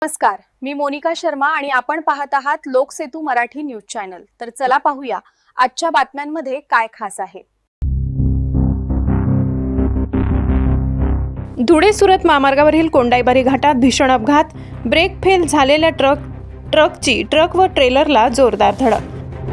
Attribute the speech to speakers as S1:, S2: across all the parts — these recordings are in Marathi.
S1: नमस्कार, मी मोनिका शर्मा आणि आपण पाहत आहात लोकसेतू मराठी न्यूज चॅनल। तर चला पाहूया आजच्या बातम्यांमध्ये काय खास आहे।
S2: धुळे सुरत महामार्गावरील कोंडाईबारी घाटात भीषण अपघात, ब्रेक फेल झालेल्या ट्रकची ट्रक व ट्रेलरला जोरदार धडक।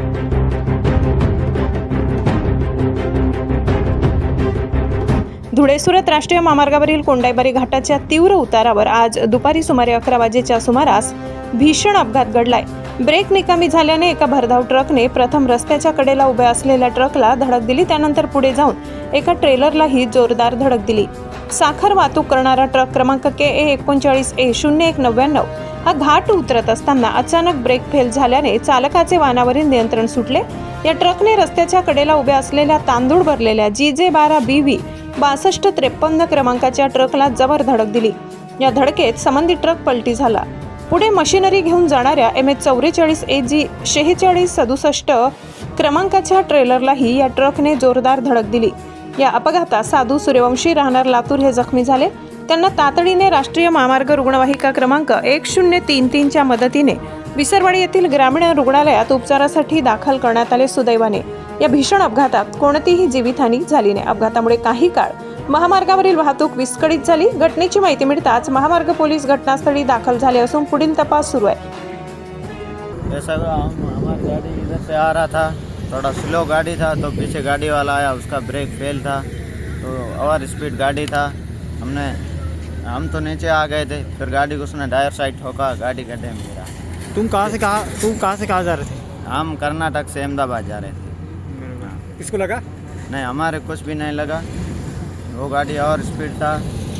S2: धुळे सुरत राष्ट्रीय महामार्गावरील कोंडाईबारी घाटाच्या तीव्र उतारावर आज दुपारी सुमारे 11 वाजेच्या सुमारास भीषण अपघात घडलाय। ब्रेक निकामी झाल्याने एका भरधाव ट्रकने प्रथम रस्त्याच्या कडेला उभ्या असलेल्या ट्रकला धडक दिली, त्यानंतर पुढे जाऊन एका ट्रेलरलाही जोरदार धडक दिली। साखर वाहतूक करणारा ट्रक क्रमांक KA 39A0199 हा घाट उतरत असताना अचानक ब्रेक फेल झाल्याने चालकाचे वाहनावरील नियंत्रण सुटले। या ट्रकने रस्त्याच्या कडेला उभ्या असलेल्या तांदूळ भरलेल्या GJ12BV 6253 क्रमांकाच्या ट्रकला जबर धडक दिली। या धडकेत संबंधित ट्रक पलटी झाला। पुढे मशिनरी घेऊन जाणाऱ्या MH 44 AG 4667 क्रमांकाच्या ट्रेलरलाही या ट्रकने जोरदार धडक दिली। या अपघातात साधू सूर्यवंशी राहणार लातूर हे जखमी झाले। त्यांना तातडीने राष्ट्रीय महामार्ग रुग्णवाहिका क्रमांक 1033 च्या मदतीने विसरवाडी येथील ग्रामीण रुग्णालयात उपचारासाठी दाखल करण्यात आले। सुदैवाने या भीषण अपघातात कोणतीही जीवितहानी झाली नाही। अपघातामुळे काही काळ महामार्गावरील वाहतूक विस्कळीत झाली। घटनेची माहिती मिळताच महामार्ग पोलीस घटनास्थळी दाखल झाले असून पुढील तपास सुरू आहे।
S3: ऐसा हमारी गाड़ी इधर से आ रहा था, थोड़ा स्लो गाड़ी था, तो पीछे गाड़ी वाला आया, उसका ब्रेक फेल था, तो ओवर स्पीड गाड़ी था। हम तो नीचे आ गए थे, फिर गाड़ी को उसने डायर साइड ठोका, गाड़ी गड्ढे में गिरा।
S4: तुम कहाँ से कहाँ जा रहे थे?
S3: हम कर्नाटक से अहमदाबाद जा रहे थे।
S4: किसको लगा?
S3: नहीं, हमारे कुछ भी नहीं लगा, वो गाड़ी और स्पीड था।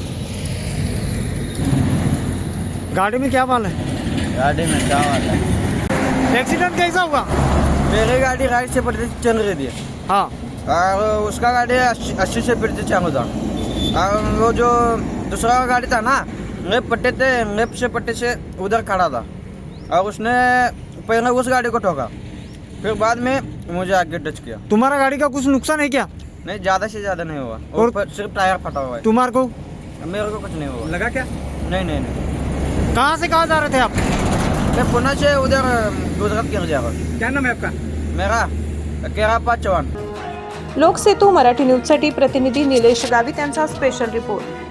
S4: गाड़ी में क्या माल है?
S3: गाड़ी में चावल है।
S4: एक्सीडेंट कैसा हुआ?
S5: मेरी गाड़ी राइट से पट्टी चल रही थी।
S4: हाँ,
S5: और उसका गाड़ी 80 से पट्टी चालू था। और वो जो दूसरा गाड़ी था ना, लेफ्ट से पट्टी से उधर खड़ा था, और उसने पहले उस गाड़ी को ठोका, फिर बाद में मुझे आगे टच किया।
S4: तुम्हारा गाड़ी का कुछ नुकसान है क्या?
S5: नहीं, ज़्यादा से ज़्यादा नहीं हुआ,
S4: और
S5: सिर्फ टायर फटा हुआ है।
S4: तुम्हारे को
S5: मेरे को कुछ नहीं हुआ।
S4: लगा क्या?
S5: नहीं।
S4: कहाँ से कहाँ जा रहे थे आप?
S5: मैं पुणे से उधर गुजरात गिर जा रहा हूँ।
S4: क्या नाम है आपका?
S5: मेरा केरापा चौहान।
S2: लोकसेतू मराठी न्यूजसाठी प्रतिनिधी निलेश गावित यांचा स्पेशल रिपोर्ट।